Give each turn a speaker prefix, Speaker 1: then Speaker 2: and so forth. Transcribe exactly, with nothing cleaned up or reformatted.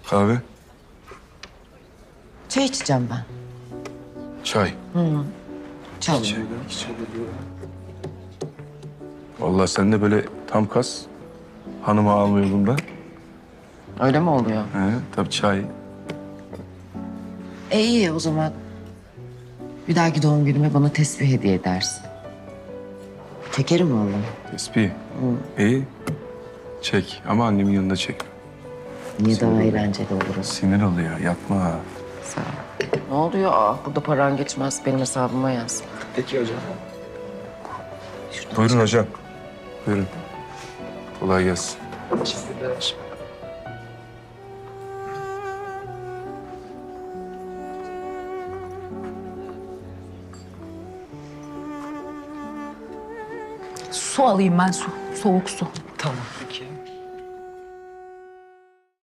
Speaker 1: Kahve,
Speaker 2: Çay içeceğim ben.
Speaker 1: çay.
Speaker 2: Çay.
Speaker 1: Vallahi sen de böyle tam kas. Hanımı alma yolunda.
Speaker 2: Öyle mi oluyor?
Speaker 1: He, tabii çay.
Speaker 2: E iyi o zaman. Bir dahaki doğum günüme bana tesbih hediye edersin. Çekerim vallahi.
Speaker 1: Tespih. İyi. Çek ama annemin yanında çek.
Speaker 2: Niye daha eğlenceli olur o?
Speaker 1: Sinir oluyor. Yapma.
Speaker 2: Sağ ol. Ne oluyor? Aa, burada paran geçmez. Benim hesabıma yaz.
Speaker 3: Peki hocam.
Speaker 1: Buyurun hocam. Buyurun. Kolay gelsin.
Speaker 3: Teşekkürler.
Speaker 4: Su alayım ben su. Soğuk su.
Speaker 3: Tamam peki.